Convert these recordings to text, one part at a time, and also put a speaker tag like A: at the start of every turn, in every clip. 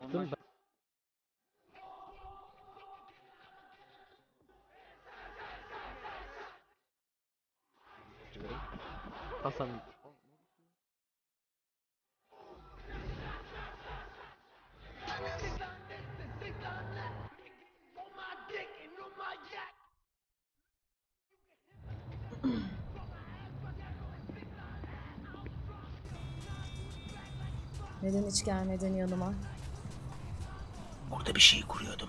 A: Ben... Hasan
B: Neden hiç gelmedin yanıma?
C: Orada bir şey kuruyordum.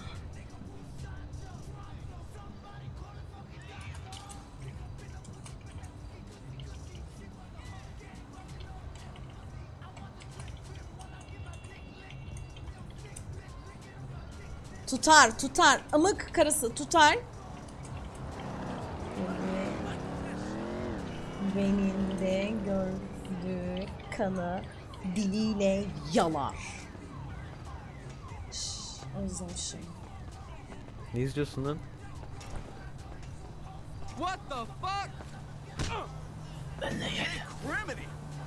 B: Tutar, tutar. Amık karısı tutar. Benim de gördüğü kanı diliyle yalar. Özlemişim.
A: ne izliyorsun lan?
D: What the fuck?
C: Benle gel.
D: Remedy.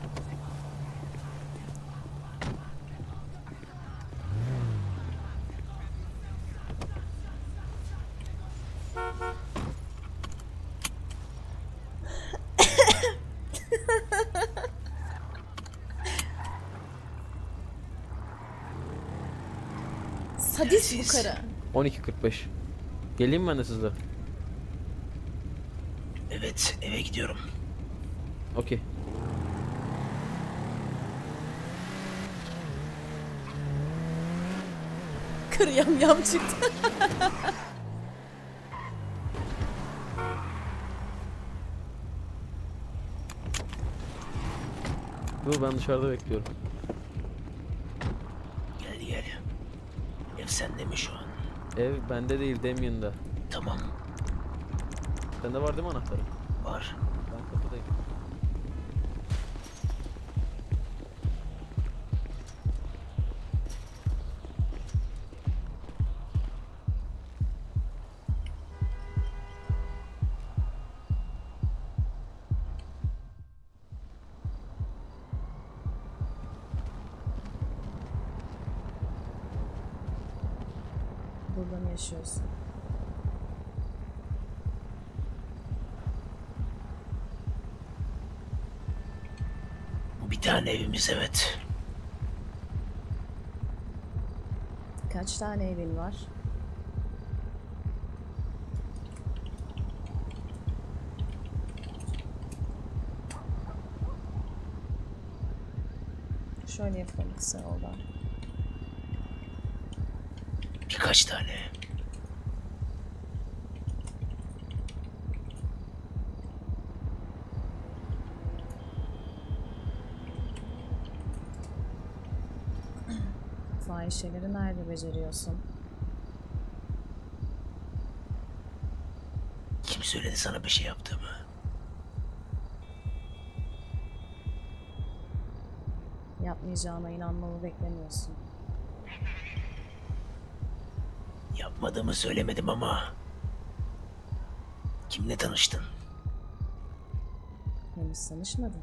B: Sadist bu karı.
A: 12:45. Geleyim mi ben de sizle?
C: Evet, eve gidiyorum.
A: Okey.
B: Karı yam çıktı.
A: Dur ben dışarıda bekliyorum.
C: Gel gel. Ev sende mi şu an?
A: Ev bende değil, Damien'da.
C: Tamam,
A: Sende var değil mi anahtarı?
C: var.
A: Ben kapıdayım.
B: Burada mı yaşıyorsun?
C: Bu bir tane evimiz, evet.
B: Kaç tane evin var? Şöyle yapalım kısa yoldan.
C: Birkaç tane.
B: Fahişeleri nerede beceriyorsun?
C: Kim söyledi sana bir şey yaptığımı?
B: Yapmayacağına inanmamı beklemiyorsun.
C: Yapmadığımı söylemedim ama... Kimle tanıştın?
B: Henüz tanışmadın.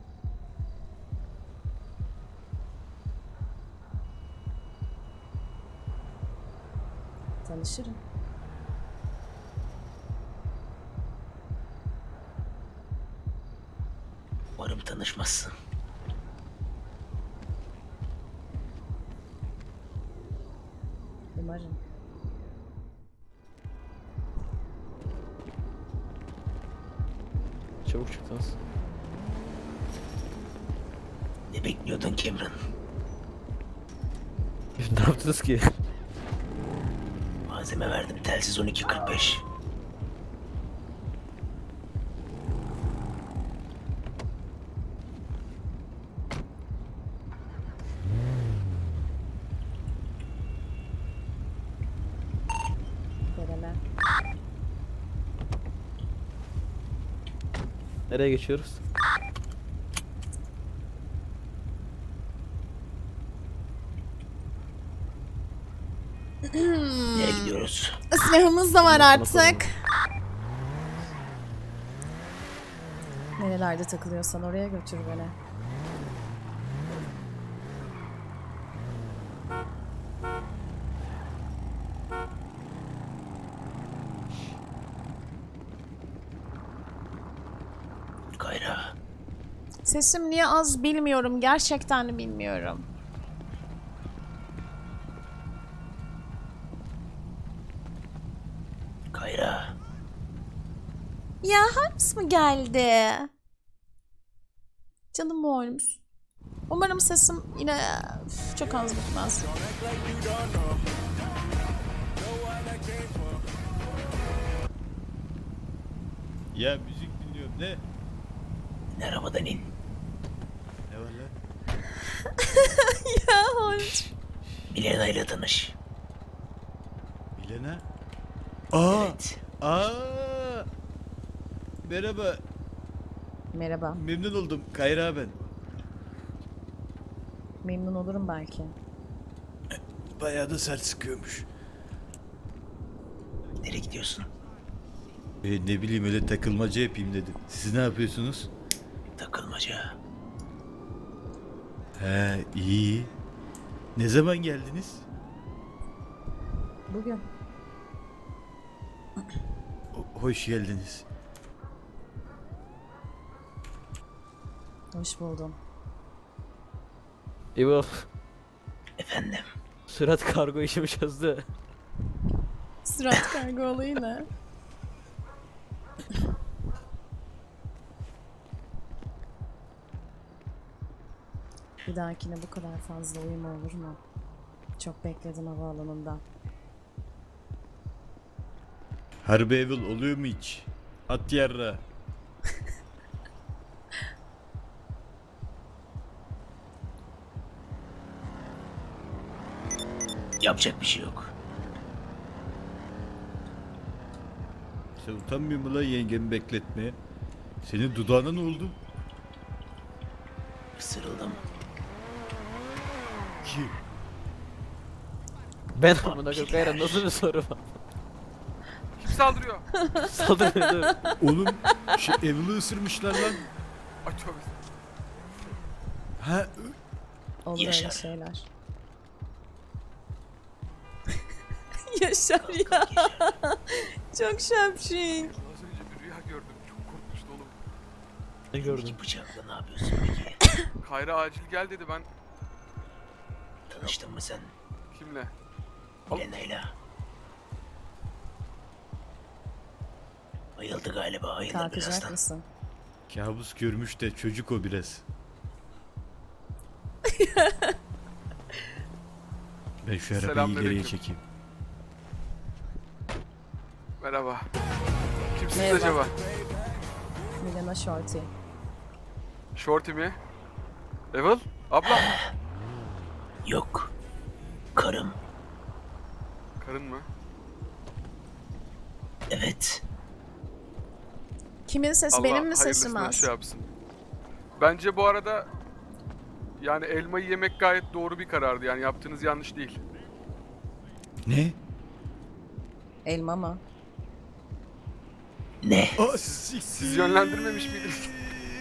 B: Tanışırım.
C: Umarım tanışmazsın.
B: Umarım.
A: Çabuk çıktınız.
C: Ne bekliyordun Cameron?
A: Ne yaptınız ki?
C: Malzeme verdim, telsiz 12:45.
B: Veremem.
A: Nereye geçiyoruz?
C: Nereye gidiyoruz?
B: Silahımız da var
A: Nasıl bakalım?
B: artık. Nerelerde takılıyorsan oraya götür beni. Sesim niye az bilmiyorum. Gerçekten bilmiyorum.
C: Kayra.
B: Ya Harps mı geldi? Canım oğlum. Umarım sesim yine çok az bitmez.
D: Ya müzik dinliyorum ne?
C: Arabadan in.
D: Ne var lan?
B: Ya Harps.
C: Milena ile tanış.
D: Milena? Aa!
C: Evet.
D: Aa! Merhaba,
B: Merhaba.
D: memnun oldum. Kayra ben.
B: Memnun olurum belki.
D: Bayağı da sert sıkıyormuş.
C: Nereye gidiyorsun?
D: Ne bileyim öyle takılmaca yapayım dedim. Siz ne yapıyorsunuz?
C: Takılmaca.
D: He iyi. Ne zaman geldiniz?
B: Bugün.
D: Hoş geldiniz.
B: Hoş buldum.
A: İbo,
C: Efendim.
A: sürat kargo işimi çözdü.
B: Sırat kargo olayı ne? Bir dahakine bu kadar fazla uyuma olur mu? Çok bekledim havaalanında.
D: Harbi evil oluyor mu hiç? At yarra.
C: Yapacak bir şey yok.
D: Sen utanmıyor musun lan yengemi bekletmeye? Senin dudağına ne oldu?
C: Isırıldım.
D: Kim?
A: Ben amına koyayım Kayra, nasıl bir soru var?
E: Kim saldırıyor?
A: Saldırıyor dur.
D: Oğlum evil'ı ısırmışlar lan.
E: Ay tövbe.
D: Ha
B: Olur
C: Yaşar.
B: öyle şeyler. Yaşar ya. Çok şapşik.
E: Az önce bir rüya gördüm. Çok korkmuştu oğlum.
A: Ne gördün?
C: İki bıçakla ne yapıyorsun peki?
E: Kayra acil gel dedi, ben
C: Tanıştın mı sen
E: kimle?
C: Milena'yla? Bayıldı galiba. Ayılır
B: Kalkacak
C: birazdan.
B: mısın?
D: kabus görmüş de çocuk o biraz. Ben şu arabayı
E: Selamünaleyküm.
D: ileriye çekeyim.
E: Merhaba. Kimsiniz
B: Merhaba.
E: acaba?
B: Milena Shorty.
E: Shorty mi? Evil? Abla?
C: Yok. Karım.
E: Karın mı?
C: Evet.
B: Kimin sesi?
E: Allah
B: Benim mi sesim
E: hayırlısına
B: az?
E: şey yapsın. Bence bu arada yani elmayı yemek gayet doğru bir karardı. Yani yaptığınız yanlış değil.
D: Ne?
B: Elma mı?
C: Ne?
D: Aa,
E: Siz yönlendirmemiş miydiniz?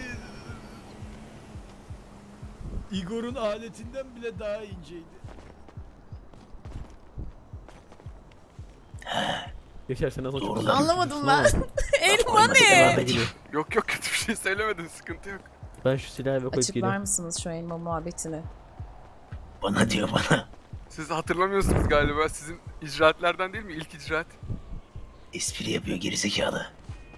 D: Igor'un aletinden bile daha inceydi.
A: Yaşar sen nasıl çok
C: Doğru.
A: korkuyorsun
B: Anlamadım
A: ama.
B: ben. Elma
C: koymadı,
B: ne?
C: devam edeyim.
E: Yok yok, kötü bir şey söylemedin, sıkıntı yok.
A: Ben şu silahı eve koyup
B: Açıklar
A: geliyorum.
B: mısınız şu elma muhabbetini?
C: Bana diyor bana.
E: Siz hatırlamıyorsunuz galiba, sizin icraatlerden değil mi? İlk icraat.
C: Espri yapıyor gerizekalı.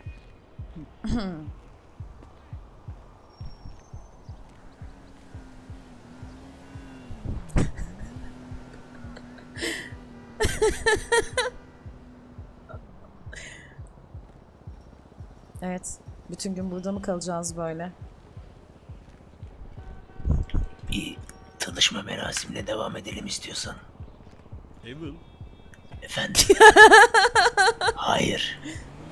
B: Evet. Bütün gün burada mı kalacağız böyle?
C: Bir tanışma merasimine devam edelim istiyorsan.
D: Evil.
C: Efendim? Hayır.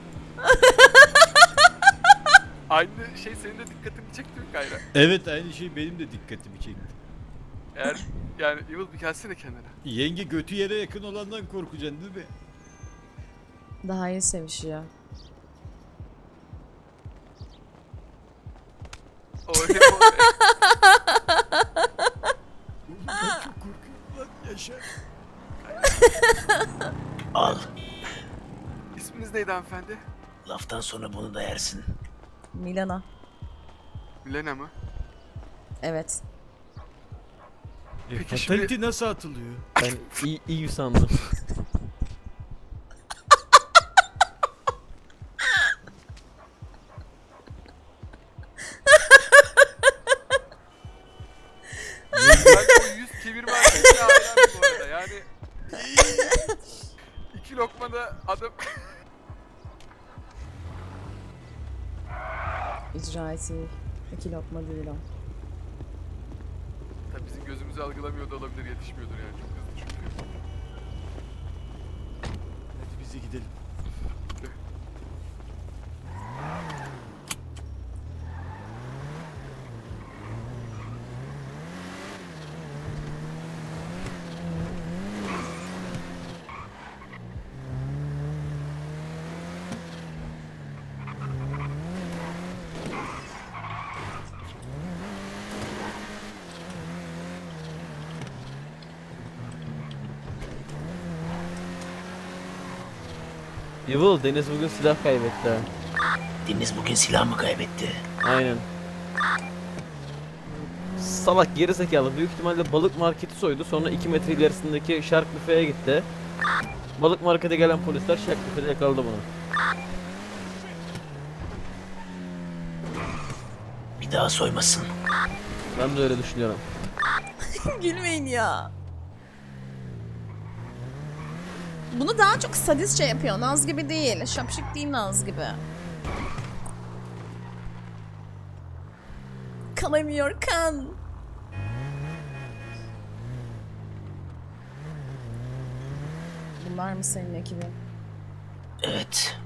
E: Aynı şey senin de dikkatini çekti mi Kayra?
D: Evet aynı şey benim de dikkatimi çekti.
E: Eğer yani Evil bir gelsene kenara.
D: Yenge götü yere yakın olandan korkacaksın değil mi?
B: Daha iyi sevişiyor.
E: Oraya
D: Oğlum ben çok korkuyorum lan Yaşar.
C: Al.
E: İsminiz neydi hanımefendi?
C: Laftan sonra bunu da yersin.
B: Milana.
E: Milena mı?
B: Evet.
E: Peki
D: Fatality nasıl atılıyor?
A: Ben iyi sandım.
E: Ben o yüz çevirme hareketine hayranım bu arada. Yani 2 lokmada adam
B: İcraati 2 lokma değil o.
E: tabii bizim gözümüzü algılamıyor da olabilir, yetişmiyordur yani çok hızlı çünkü.
D: Hadi bize gidelim.
A: Evil, Deniz bugün silah kaybetti ha.
C: Deniz bugün silah mı kaybetti?
A: Aynen. Salak gerizekalı büyük ihtimalle balık marketi soydu, sonra 2 metre ilerisindeki Shark Büfe'ye gitti. Balık markete gelen polisler Shark Büfe'de yakaladı bunu.
C: Bir daha soymasın.
A: Ben de öyle düşünüyorum.
B: Gülmeyin ya. Bunu daha çok sadistçe yapıyor. Naz gibi değil. Şapşık değil Naz gibi. Kalamıyor kan. Bunlar mı senin ekibin?
C: Evet.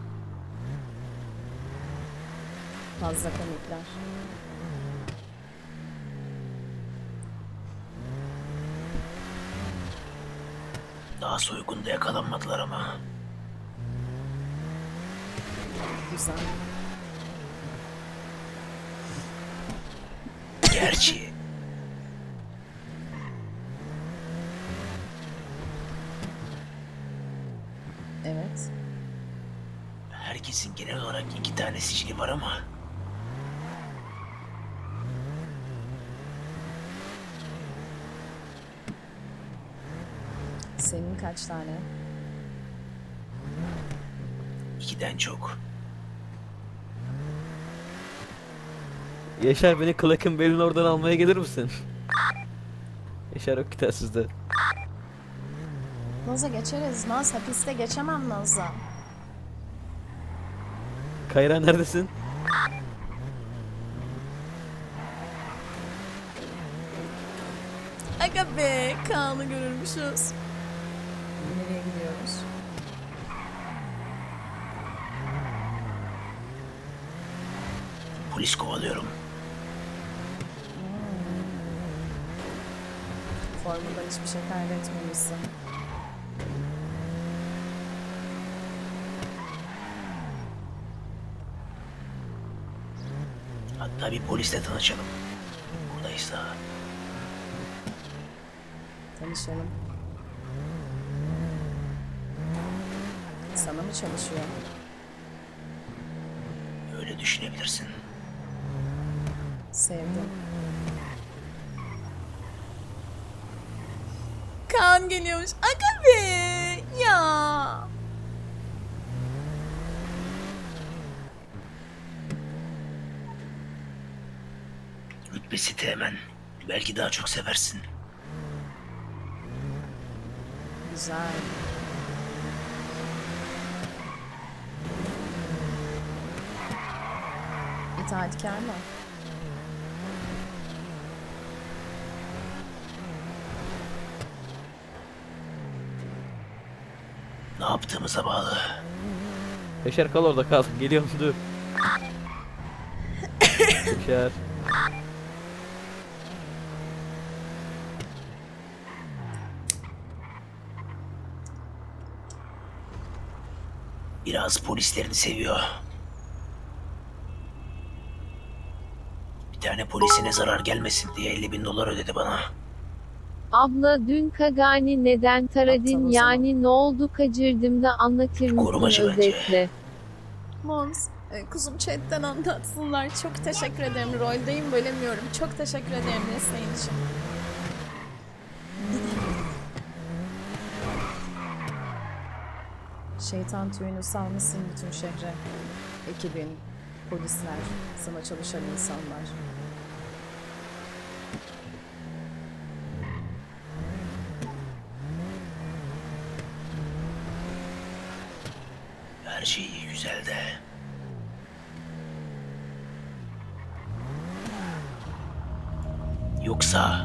B: Fazla komikler.
C: Daha soygunda yakalanmadılar ama.
B: Güzel.
C: Gerçi
B: Evet.
C: herkesin genel olarak 2 tane sicili var ama
B: Senin kaç tane?
C: 2'den çok.
A: Yaşar, beni Clark'ın belin oradan almaya gelir misin? Yaşar yok ki telsizde.
B: Naz'a geçeriz. Naz hapiste geçemem Naz'a.
A: Kayra neredesin?
B: Aga be, Kaan'ı görürmüşüz. Nereye gidiyoruz?
C: Polis kovalıyorum.
B: Formundan hiçbir şey kaybetmemişsin.
C: Hatta bir polisle tanışalım. Buradaysa.
B: Tanışalım. Sana mı çalışıyor?
C: Öyle düşünebilirsin.
B: Sevdim. Kaan geliyormuş. Aga be! Ya!
C: Rütbesi teğmen. Belki daha çok seversin.
B: Güzel. İtaatkar mı?
C: Ne yaptığımıza bağlı.
A: Yaşar kal orada, kal. Geliyorum, dur. Yaşar.
C: Biraz polislerini seviyor. Bir tane polisine zarar gelmesin diye 50.000 dolar ödedi bana.
F: Abla dün Kagani neden
B: Aptal
F: taradın
B: o
F: yani ne oldu kaçırdım da anlatır mısın
C: Korumacı bence.
F: özetle?
B: Mons, Kuzum chatten anlatsınlar. Çok teşekkür ederim. Roldeyim, bölemiyorum. Çok teşekkür ederim desteğin için. Şeytan tüyünü salmışsın bütün şehre. Ekibin, polisler, sana çalışan insanlar.
C: Her şey iyi güzel de. Yoksa...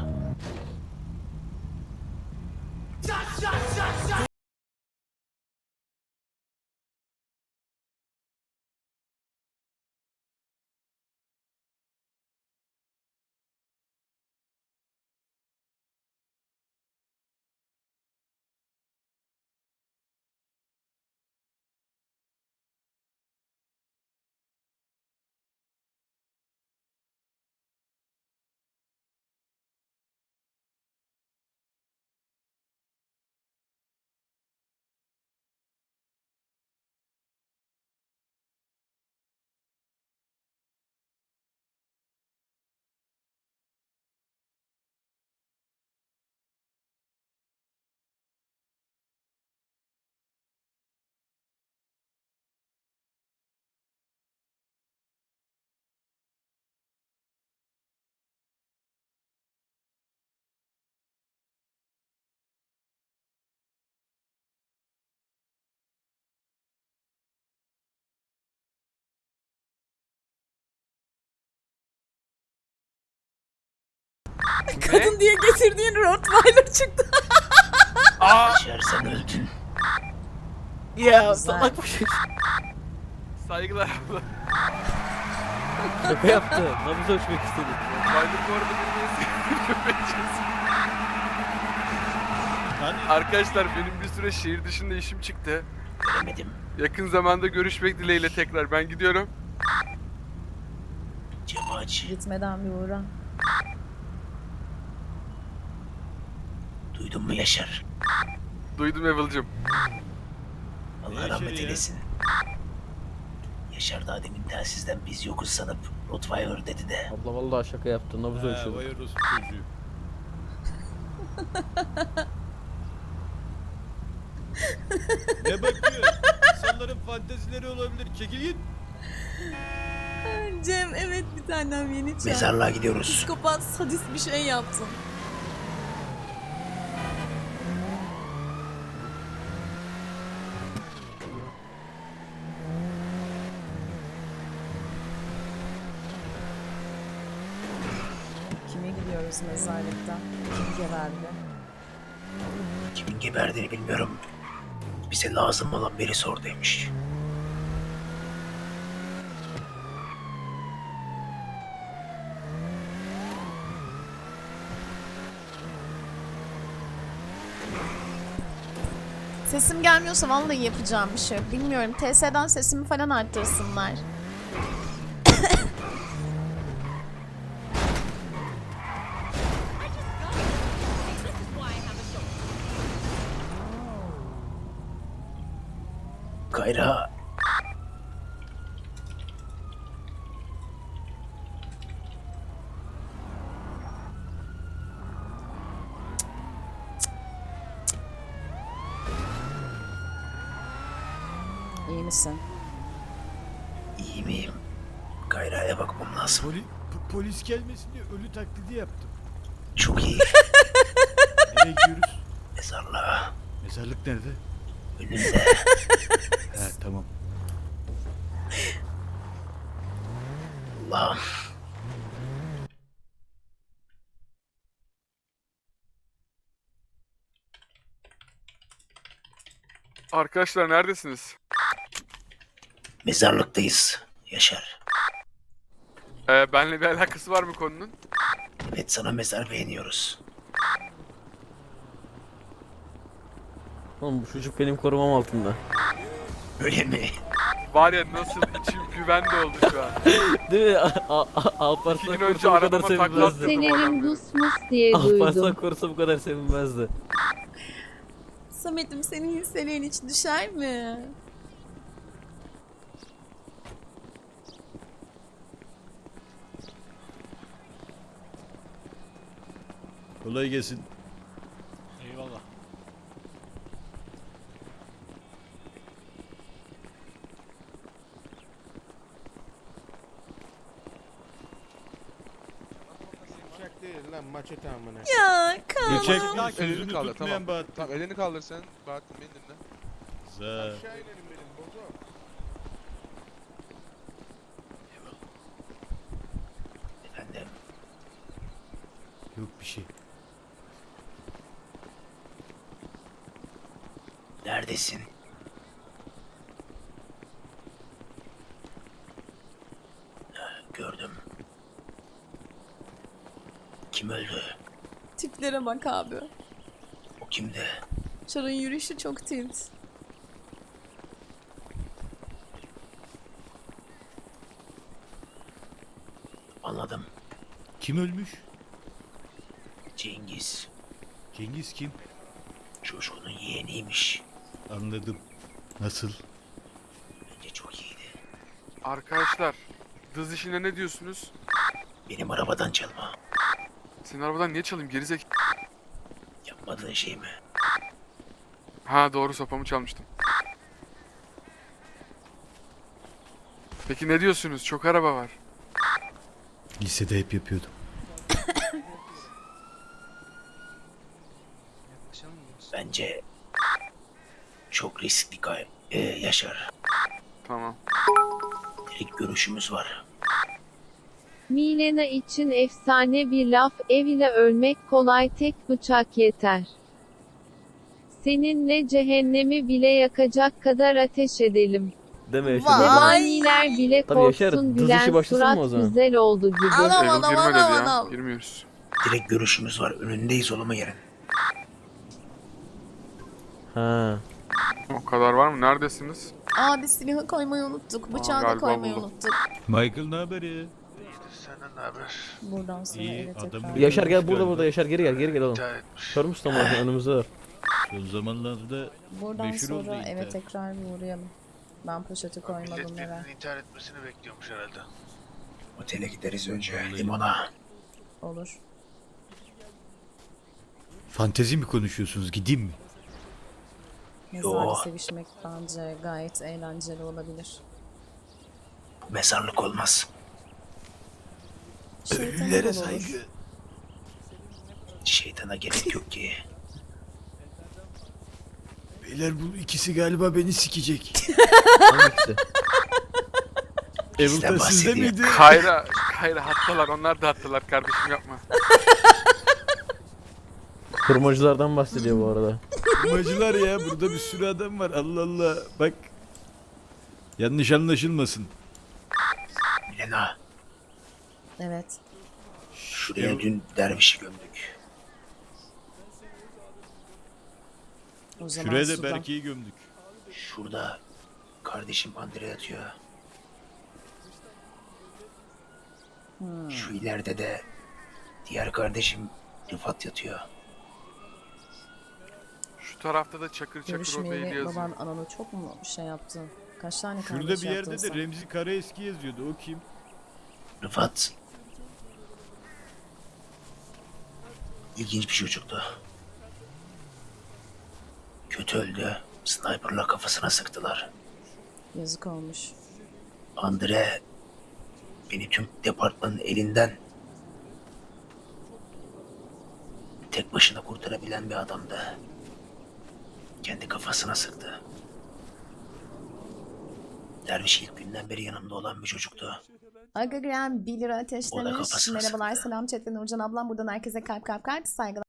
B: Kadın diye getirdiğin Rottweiler çıktı.
C: Yaşar sen öldün.
A: Ya
B: Güzel.
A: salak bir şey.
E: Saygılar.
A: Şaka yaptı. Nabız ölçmek istedi.
E: Baydır bu arada bilmeyiz.
D: Hani
E: Arkadaşlar benim bir süre şehir dışında işim çıktı.
C: Göremedim.
E: Yakın zamanda görüşmek dileğiyle tekrar ben gidiyorum.
C: Camı aç.
B: Gitmeden bir uğra.
C: Duydun mu Yaşar?
E: Duydum Evil'cim.
C: Allah
D: Yaşar
C: rahmet
D: ya?
C: eylesin. Yaşar daha demin telsizden biz yokuz sanıp Rottweiler dedi de.
A: Abla vallahi şaka yaptı. Nabız
D: ha,
A: ölçüyordu.
D: vay orospu çocuğu. Ne bakıyor? İnsanların fantezileri olabilir. Çekil git.
B: Cem evet bir tanem yeni çağ.
C: Mezarlığa gidiyoruz.
B: Psikopat sadist bir şey yaptın. Kime gidiyoruz mezarlıkta? Kim geberdi?
C: Kimin geberdiğini bilmiyorum. Bize lazım olan birisi oradaymış.
B: Sesim gelmiyorsa vallahi yapacağım bir şey yok. Bilmiyorum. TS'den sesimi falan arttırsınlar.
C: Kayra...
B: İyi misin?
C: İyi miyim? Kayra'ya bakmam lazım.
D: Polis gelmesin diye ölü taklidi yaptım.
C: Çok iyi.
D: Nereye gidiyoruz?
C: Mezarlığa.
D: Mezarlık nerede?
C: Önünde.
D: Ha tamam.
C: Allah'ım.
E: Arkadaşlar neredesiniz?
C: Mezarlıktayız. Yaşar.
E: Benle bir alakası var mı konunun?
C: Evet sana mezar beğeniyoruz.
A: Oğlum bu çocuk benim korumam altında.
C: Öyle mi?
E: Var ya nasıl içim güvende oldu şu an.
A: Değil mi?
E: 2
A: Alparslan
E: gün önce
A: korusa bu kadar
E: arabama takla
A: sevinmezdi.
E: attırdım
F: Senerim
E: oradan.
F: Dusmus diye
A: Alparslan
F: duydum.
A: korusa bu kadar sevinmezdi.
B: Samet'im senin hisselerin hiç düşer mi?
D: Kolay gelsin.
G: Eyvallah.
H: Uçak değil lan maçete amına.
B: Ya Kaan.
D: Geçek
G: Elini
D: sözünü
G: kaldır,
D: tutmayan
G: tamam.
D: Bahattin.
G: Tamam elini kaldır sen. Bahattin beni dinle.
D: Güzel.
H: Aşağı inelim benim bozo.
C: Efendim,
D: Yok bir şey.
C: neredesin? Gördüm. Kim öldü?
B: Tiplere bak abi.
C: O kimdi?
B: Çar'ın yürüyüşü çok tilt.
C: Anladım.
D: Kim ölmüş?
C: Cengiz.
D: Cengiz kim?
C: Çocuğunun yeğeniymiş.
D: Anladım. Nasıl?
C: Bence çok iyiydi.
E: Arkadaşlar, dız işine ne diyorsunuz?
C: Benim arabadan çalma.
E: Senin arabadan niye çalayım gerizek?
C: Yapmadığın şey mi?
E: Ha doğru, sopamı çalmıştım. Peki ne diyorsunuz? Çok araba var.
D: Lisede hep yapıyordum.
C: Bence çok riskli Yaşar.
E: Tamam.
C: İlk görüşümüz var.
F: Milena için efsane bir laf, ev ile ölmek kolay, tek bıçak yeter. Seninle cehennemi bile yakacak kadar ateş edelim.
A: Deme Yaşar.
B: Vay.
F: Zebaniler bile
A: Tabii Yaşar,
F: korksun,
A: dız işi
F: gülen
A: başlasın mı o
F: surat
A: zaman?
F: güzel oldu gibi.
B: Anam
E: Erol
B: anam
E: girme dedi
B: anam
E: ya.
B: anam.
E: Girmiyoruz.
C: Direkt görüşümüz var. Önündeyiz olama yerin.
A: Ha.
E: O kadar var mı? Neredesiniz?
B: Abi silahı koymayı unuttuk. Bıçağı da
E: galiba
B: koymayı
E: buldum.
B: unuttuk.
D: Michael ne haber ya?
H: Senden ne haber?
B: Buradan sonra
D: İyi,
B: eve
D: adam
B: tekrar.
D: bir-
A: Yaşar gel
D: Hoş
A: burada
D: geldin.
A: burada Yaşar geri gel oğlum.
H: İntihar etmiş.
A: Kör müsün ama önümüzde var.
D: Son zamanlarda
B: Buradan
D: meşhur oldu
B: sonra eve
D: intihar.
B: tekrar bir uğrayalım. Ben poşeti koymadım
H: Millet
B: eve.
H: birinin intihar etmesini bekliyormuş herhalde.
C: Otele gideriz önce.
D: Vallahi.
C: Limona.
B: Olur.
D: fantezi mi konuşuyorsunuz? Gideyim mi?
B: Mezarda sevişmek bence gayet eğlenceli olabilir.
C: Bu mezarlık olmaz.
B: Şeytan olur.
C: Şeytana gerek yok ki.
D: Beyler bu ikisi galiba beni sikecek.
A: Hangisi?
D: Evil'da sizde
C: bahsediyor.
D: miydi?
E: Kayra hattalar. Onlar da hattalar kardeşim, yapma.
A: Kurmacılardan bahsediyor bu arada.
D: Kurmacılar ya, burada bir sürü adam var. Allah Allah. Bak. Yanlış anlaşılmasın.
C: Milena.
B: Evet.
C: Şuraya dün dervişi gömdük.
B: O zaman
D: Şuraya da
B: sudan.
D: Berke'yi gömdük.
C: Şurada kardeşim Andre yatıyor. Şu ileride de diğer kardeşim Rıfat yatıyor.
E: Şu tarafta da çakır çakır o beyli
B: Görüşmeyeli
E: yazıyor.
B: baban ananı çok mu şey yaptı? Kaç tane
D: Şurada
B: kardeş
D: bir yerde
B: yaptın
D: de
B: sen?
D: Remzi Karaeski yazıyordu. O kim?
C: Rıfat ilginç bir çocuktu. Kötü öldü. Sniper'la kafasına sıktılar.
B: Yazık olmuş.
C: Andre beni tüm departmanın elinden tek başına kurtarabilen bir adamdı. Kendi kafasına sıktı. Derviş ilk günden beri yanımda olan bir çocuktu.
B: Aga Graham 1 lira
C: O da
B: ateşlemiş.
C: kafasına
B: Merhabalar
C: sıktı.
B: selam chatten Nurcan ablam buradan herkese kalp kalp kalp saygılar.